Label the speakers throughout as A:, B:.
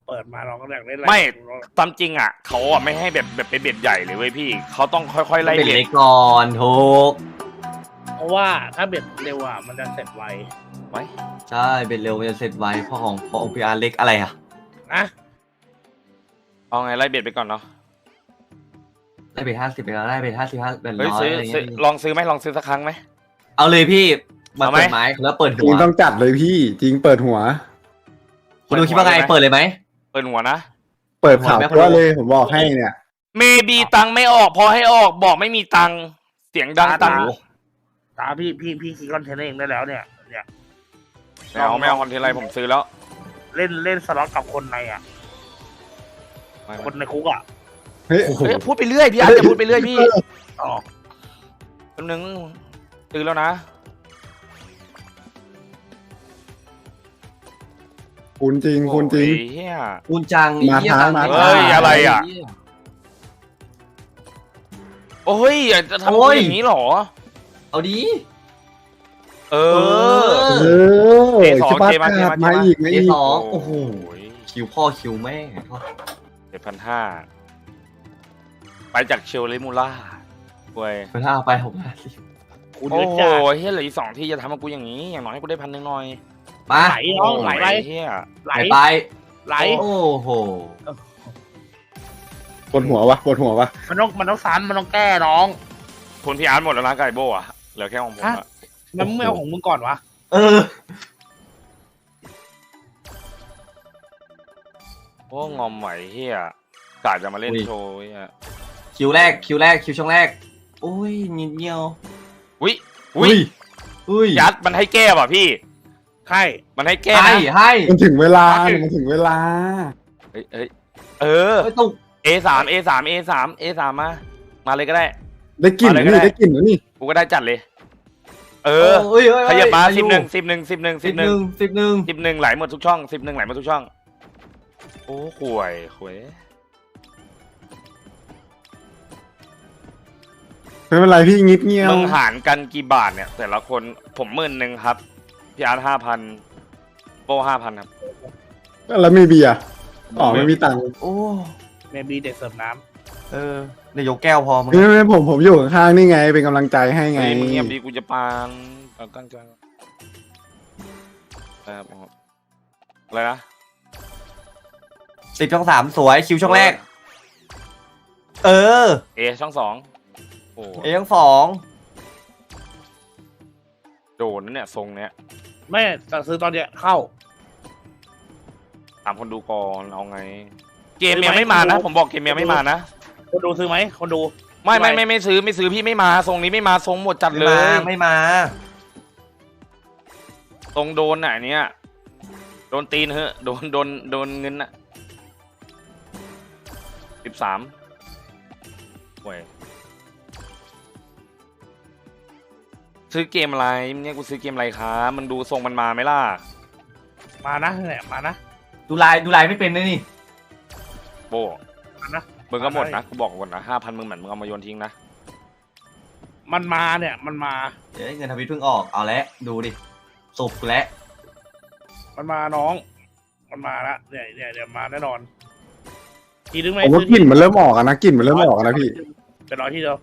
A: เปิดมาเราก็อยากเล่นอะไร
B: ไม่ตามจริงอ่ะเขาอ่ะไม่ให้แบบเป็นเบ็ดใหญ่เลยเว้ยพี่เขาต้องค่อยๆไล่
C: เป็น
B: เบ็ด
C: เล็กก่อนถูก
A: เพราะว่าถ้าเบ็ดเร็วอ่ะมันจะเสร็จไว
B: ไว้
C: ใช่เป็นเร็วมันจะเสร็จไวเพราะของพีอาร์เล็กอะไรอ่ะ
A: นะ
B: เอาไงไล่เบ็ดไปก่อนเนาะ
C: ได้ไป50ไปแล้วได้ไป55เป็น
B: เฮ้ย
C: ร้อย
B: ซื้อ
C: อะไร
B: ซื้อ
C: เงี้ย
B: ลองซื้อไหมลองซื้อสักครั้งไหม
C: เอาเลยพี่มา
B: เอาไหม
C: เปิดไม้แล้วเปิด
D: จ
C: หั
D: ริ
C: ว
D: งต้องจัดเลยพี่จริงเปิดหัว
C: คุณดูคิดว่าไงเปิดเลยไหม
B: เปิดหัวนะ
D: เปิดข่าว
C: หัวแม่
D: เพราะเลยผมบอกให้เนี่ย
B: เมบีตังค์ไม่ออกพอให้ออกบอกไม่มีตังค์เสียงดังตังค์
A: ตาพี่คิดคอนเทนต์เองได้แล้วเนี่ย
B: ไม่เอาคอนเทนต์อะไรผมซื้อแล้ว
A: เล่นสล็อตกับคนในอ่ะ
B: ไม่
A: คนในคุกอ่ะ
D: เฮ้ย
B: เฮ้ยพูดไปเรื่อยพี่อาร์ตจะพูดไปเรื่อยพี่
A: อ๋อ
B: แป๊บนึงซื้อแล้วนะ
D: คุณจริงคุณจริง
B: โอ้ยเหี้ย
C: คุณจัง
D: มา
C: ไอ้เหี้ย
D: ท้า
C: ตังค์
D: มา
C: ไม่
D: ท้า
C: มา
B: เฮ้ยอะไรอ่ะ โอ้ยจะทำ
C: โอ้ย
B: อย่างนี้เหรอ
C: เอาดี
B: เอ
C: เอ
B: อ
D: เออ
B: เอสอง
D: จะมา
B: เกมมา
D: ขาด
B: เกมมา
D: มาอีกมา
C: เอ
D: อีก
C: สองโอ้โห
B: ย
C: คิวพ่อคิวแม่
B: 7,500ไปจากเชลเลมูล่าเว้ย
C: ไปถ้าเอาไป650
A: คุณ
B: โอ้
A: เยอะ
B: โห
A: จ้า
B: เฮียเหลืออีก2ที่จะทำให้กูอย่างนี้อย่างน้อยให้กูได้1,000หน่อย
C: มา
A: ไหลน้องไหลไป
B: เฮีย
A: ไหล
C: ไป
A: ไหล
C: โอ้โห
D: ปวดหัววะปวดหัววะ
A: มันต้องซ้ำมันต้องแก้น้อง
B: ทุนพี่อาร์ตหมดแล้วนะไก่โบ้อะเหลือแค่ของผมอะ
A: มันไม่เอาของมึงก่อนวะ
C: เออ
B: โอ้งอมไหวเฮียกะจะมาเล่น
C: อุ้ย
B: โชว์เฮีย
C: คิวแรกคิวช่องแรกโอ้ยนิดเดียว
B: อุ้ยอุ้ย
C: อุ้ย
B: ยัดมันให้แก้ป่ะพี่
A: ใช่
B: มันให้แก้
C: ให้
B: นะ
C: ให้
D: มันถึงเวลาเนี่ยมันถึงเวลา
B: เฮ้ยเออ
C: ไม่ตุก
B: A3 มาเลยก็ได้
D: ได้กลิ่น
B: อะไรก็
D: นี่
B: ได้
D: ได้กลิ่นแล้วนี่
B: กูก็ได้จัดเลย เออ
C: เอ้ย
B: ขยับมา
C: อายุ
B: 11 ไหลหมดทุกช่อง11ไหลหมดทุกช่องโอ้ห่วย
D: ไม่เป็นไรพี่งิดเงี้ยว
B: มึงหารกันกี่บาทเนี่ย แต่ละคนผม10,000ครับพี่อาร์ต5,000โป้5,000ครับ
D: แล้วมีเบียร์อ๋อไม่มีตังค์
C: โอ้
A: เมบีเด็กเสิร์ฟน้
C: เออเดี๋ยวยกแก้วพอมึง
D: ไม่ผมอยู่ข้างๆนี่ไง เป็นกำลังใจให้ไง
B: ไงมึงเงียบดีกูจะปานตั้งใจครับอะไรนะ
C: 10ช่อง3สวยคิวช่องแรก เออ
B: เอช่อง2โอ้
C: เอช่อง2
B: โดนนะเนี่ยทรงเนี้ย
A: ำไม่แต่ซื้อตอนเนี้ยเข้า
B: ถามคนดูก่อนเอาไง เกมยังไม่มานะ ผมบอกเกมยังไม่มานะ
A: คนดูซื้อไหมคนดู
B: ไม่ซื้อพี่ไม่มาทรงนี้ไม่มาทรงหมดจัดเลย
C: ไม่มา
B: ตรงโดนน่ะอันเนี้ยโดนตีนเหอะโดนเงินน่ะ13เว้ยซื้อเกมอะไรเนี่ยกูซื้อเกมอะไรครับมันดูทรงมันมาไหมล่ะ
A: มานะเนี่ยมานะ
C: ดูลายไม่เป็นเลยนี่
B: โบ
A: มานะ
B: มึงก็หมดนะกูบอกก่อนนะ5,000มึงเหมือนมึงเอามาโยนทิ้งนะ
A: มันมาเนี่ยมันมา
C: เดี๋ยวเงินทวิตเพิ่งออกเอาแล้วดูดิสุกแล้ว
A: มันมาน้อง มันมาละเนี่ยมาแน่นอนทีนึงไหม
D: ผมว่ากลิ่นมันเริ่มออกอะนะกลิ่นมันเริ่มออกอะนะพี่
A: เป็นร้อยที่เดียว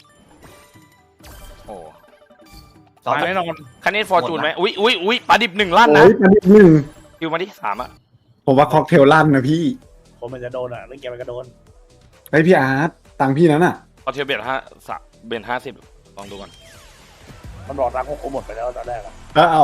B: โอ้
A: มาแน่นอน
B: คันนี้ฟอร์จูนไหมอุ้ยปลาดิบ1ลั่นนะ
D: โอ้ยประเด็นหนึ่ง
B: คิวมาดิ3อ่ะ
D: ผมว่าค็อกเทลลั่นนะพี่
A: คนมันจะโดนอ่ะเล่นเกมมันก็โดน
D: ไอพี่อาร์ตตังค์พี่นั้นอ่ะ
B: เอาเทียบเบียด50ลองดูก่อน
A: มันบอกรักพวกกูหมดไปแล้วตอนแรกอะ
D: เอา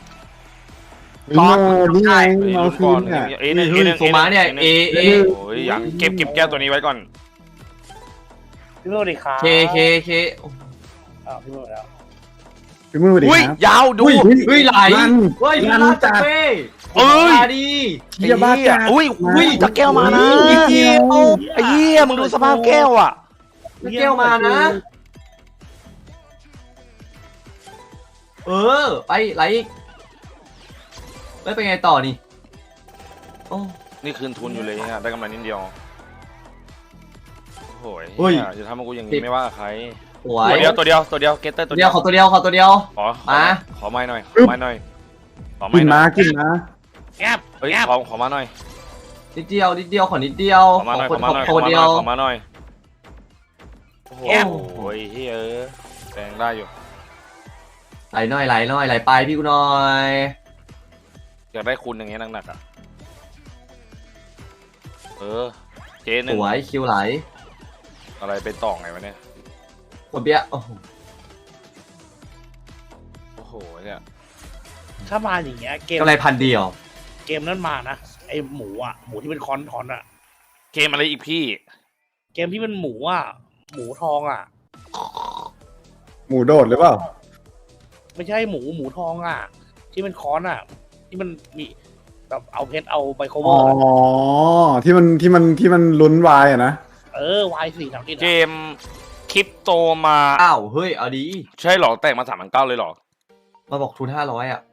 D: นี่ไงเอาคืนอ่ะ
B: เอหนึ่ง
C: โซมาเนี่ยเอ
B: โอ้ยอย่างเก็บแก้วตัวนี้ไว้ก่อน
A: พี่โมดีครับ
C: เค
A: อ้าวพี่โมแล้ว
D: พี่มือดี
B: อุ้ย
D: ครับ
B: ยาวดู
C: เฮ้ยไหล
D: ลั่น
C: เฮ้ย
D: ลั่น
C: ลาด
D: จั
C: จั
D: ด
C: ดเป้
B: เอ้ย
C: มาดี
D: เฮียบ้าจัด
B: อุ้ยจากแก้วมานะ
C: นิดเดียว
B: ไอ้เหี้ยมึงดูสภาพแก้วอ่ะ
C: แก้วมานะ เออไปไหลอีกแล้วเป็นไงต่อนี่โอ้
B: นี่คืนทุนอยู่เลยเนี่ยได้กำไรนิดเดียวโอ้ย
C: เฮ้ย
B: จะทำให้กูอย่างนี้ไม่ว่าใคร
C: สวย
B: ตัวเดียวเกตเตอร์
C: ตัวเดียวขอตัวเดียว
B: ขอไม้หน่อยขอ
D: กิ
B: ไม้
D: น
B: หน่
D: มา
B: อย
D: กินมา
A: แอบ
B: เฮ้ย
A: แอบ
B: ขอมาหน่อย
C: นิดเดียวขอนิดเดียว
B: ขอมาหน่อย
C: ค
B: ขอมาหน่อย
C: ขอเดียว
B: ขอมาหน่อยโอ้โหเฮ้ยแรงได้อยู่
C: ไหลหน่อยไหลไปพี่กูหน่อย
B: อยากได้คุณอย่างเงี้ยหนักๆอ่ะเจห
C: ส
B: นึ่ง
C: วยคิวไหล
B: อะไรไปต่อไงวะเนี่ย
C: ขวดเบี้ยโอ้โห
B: โอ้โหเนี่ย
A: ถ้ามาอย่างเงี้ยเกม
C: กำไรพันเดียว
A: เกมนั้นมานะไอหมูอ่ะหมูที่เป็นคอนอ่ะ
B: เกมอะไรอีกพี่
A: เกมที่เป็นหมูอ่ะหมูทองอ่ะ
D: หมูโดดหรือเปล่า
A: ไม่ใช่หมูทองอ่ะ ที่เป็นคอนอ่ะ ที่มันมีแบบเอาเพชรเอาไบโคเว
D: อ๋
A: อ
D: อ
A: ร์
D: ที่มันลุ้นวายอะนะ
A: วายสี่สามกิ
B: เกมคริปโตมา
C: อ้าวเฮ้ยเอาดี
B: ใช่เหรอแตกมา3,900เลยเหรอ
C: มาบอกทุน500อ่ะ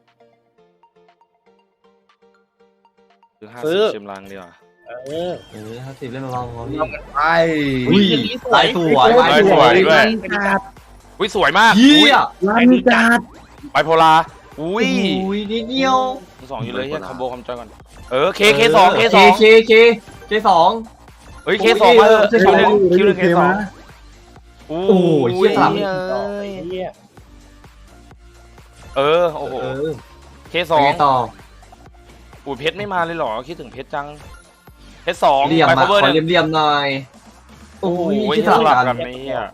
B: คือ50ชิมลังดีกว่า
C: 50เล่นมาลองพี่
D: ไป
C: อุ้ยไหลสวย
B: สวยด้วย อุ้ยสวยมาก
C: เยี่ย
D: ร้านจัด
B: ไบโพลาอุ้ย
C: อุ้ยนิดเดียว
B: สองอยู่เลยเฮียคอมโบคอมจอยก่อนเคสอง
C: เคสอง
B: เฮ้ยเคสองมาเถอะ
C: เคส
B: คิวหนึ่งเคสอง
C: โอ้ยเหี้ยสาม
A: เหี้ย
B: โอ้โห
C: เออ
B: เคสอง
C: ไงต่อ
B: อุ้ยเพชรไม่มาเลยเหรอคิดถึงเพชรจังเพชรสอง
C: เหลี่ยม
B: ไบ
C: มา
B: โคเวอร์
C: ขอ
B: หนึ่ง
C: เหลี่ยมหน่อยโอ้
B: โอ้
C: ย
B: โห
C: ที่
B: ส
C: สลั
B: ลั
C: บบ กั
B: กัน นไอ้เหี้ย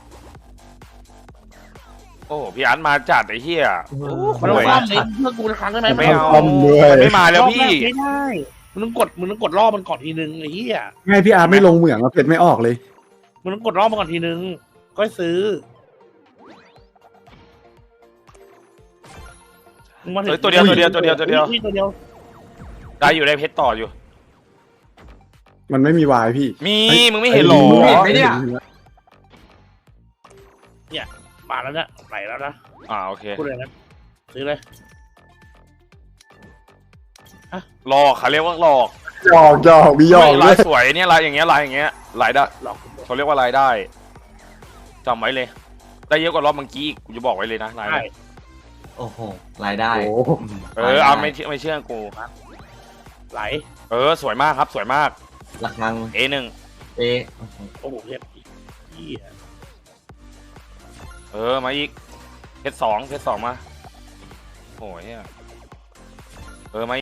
B: โอ้โหพี่อาร์ตมาจัดไอ้เหี้ย
A: มันต้องซ่อมเลยเพื่อกูครั้งได้ไหม
B: ไม่เอา
D: ต้มด้วย
B: มันไม่มาแล้วพี่
A: ไม่ได้มึงต้องกดรอบมันก่อนทีนึงไอ้เหี้ย
D: ไงพี่อาร์ไม่ลงเหมืองแล้วเพชรไม่ออกเลย
A: มึงต้องกดรอบมันก่อนทีนึงก็ซื้อมึงมาถึง
B: เฮ้ยตัวเดียว
A: นี่ตัวเดียว
B: ได้อยู่ได้เพชรต่ออยู่
D: มันไม่มีวายพี่
B: มีมึงไม่เห็นหรอ
C: เห็นไหมเนี่ย
A: มาแล้วนะไหลแล้วนะ
B: โอเค
A: พูดเลยนะซื้อเลย
B: หลอกเขาเรียกว่าหลอก
D: หยอกมีหยอก
B: ลา
D: ด้วย ย
B: สวยเนี่ยลายอย่างเงี้ยลายอย่างเงี้ยลายได้
A: หลอก
B: เขาเรียกว่าลายได้จำไว้เลย ได้เยอะกว่ารอบเมื่อกี้อีกกูจะบอกไว้เลยนะลาย
A: ใช่
B: เนี่ย
C: โอ้โหรายได้
D: โอ้โห
B: เอาไม่เชื่อกู
A: ไหล
B: สวยมากครับสวยมาก
C: ระฆัง
B: A1
C: เอ๊ะ
A: โอ้โหเพชรเหี้ย
B: มาอีกเพชรสองมาโอ้ยเนี่ยมา